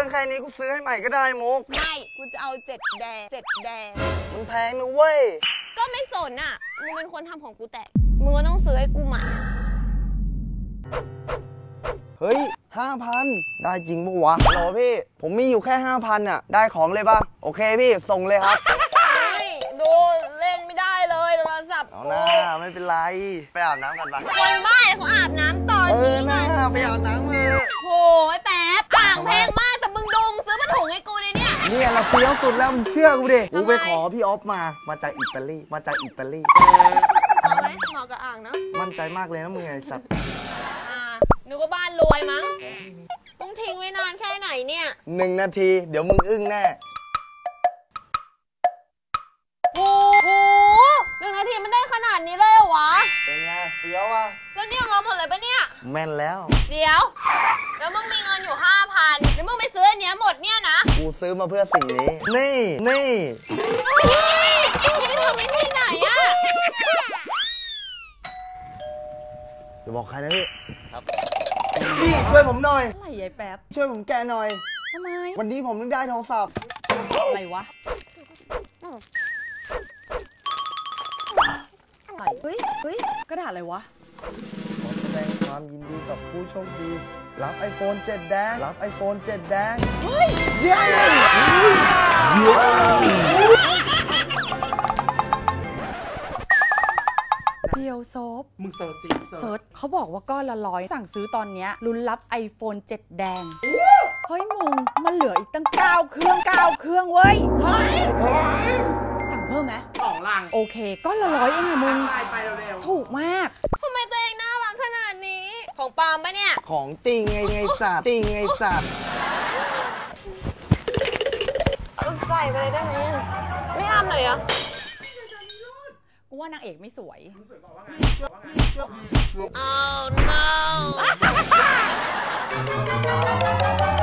รื่องแค่นี้กูซื้อให้ใหม่ก็ได้มุกไม่กูจะเอา7 แดงมันแพงนะเว้ยก็ไม่สนอ่ะมึงเป็นคนทำของกูแตกมึงก็ต้องซื้อให้กูใหม่เฮ้ย 5,000 ได้จริงปะวะโหลพี่ผมมีอยู่แค่ 5,000 อ่ะได้ของเลยป่ะโอเคพี่ส่งเลยครับไม่ดูเล่นไม่ได้เลยโทรศัพท์เอาหน้าไม่เป็นไรไปอาบน้ำกันปะคนบ้าเขาอาบน้ำตอนนี้หน้าไปอาบน้ำเลยโหยแป๊บอ่างแพงมากแต่มึงดูซื้อผ้าถุงให้กูเลยเนี่ยเราเฟี้ยวสุดแล้วมึงเชื่อกูดิกูไปขอพี่ออฟมาจากอิตาลีเอาไหมเหมาะกับอ่างเนาะมั่นใจมากเลยนะมึงไอ้สัตว์หนูก็บ้านรวยมั้งต้องทิ้งไว้นานแค่ไหนเนี่ย 1 นาทีเดี๋ยวมึงอึ้งแน่โอ้โห1 นาทีมันได้ขนาดนี้เลยเหรอวะเป็นไงเฟี้ยวอ่ะแล้วนี่ของเราหมดเลยปะเนี่ยแม่นแล้วเดี๋ยวแล้วมึงมีเงินอยู่ 5,000แล้วมึงไปซื้ออันเนี้ยหมดเนี่ยนะกูซื้อมาเพื่อสิ่งนี้นี่กูไปทำไอ้ที่ไหนอะอย่าบอกใครนะพี่ครับพี่ช่วยผมหน่อยอะไรยายแป๊บช่วยผมแกะหน่อยทำไมวันนี้ผมต้องได้โทรศัพท์อะไรวะเฮ้ยกระดาษอะไรวะขอแสดงความยินดีกับผู้โชคดีรับ iPhone 7 แดงเฮ้ยเย้เพียวโซฟมึงเสิร์ชเขาบอกว่าก้อนละ100สั่งซื้อตอนเนี้ยลุ้นรับ iPhone 7 แดงเฮ้ยมึงมันเหลืออีกตั้ง9 เครื่องเว้ยสั่งเพิ่มไหม 2 ลังโอเคก้อนละ100เองอะมึงไปเร็วถูกมากทำไมตัวเองน่ารักขนาดนี้ของปาล์มปะเนี่ยของจริงไงสัตว์ใส่ไปเลยได้ไหมไม่อ้ามหน่อยเหรอกูว่านางเอกไม่สวย Oh no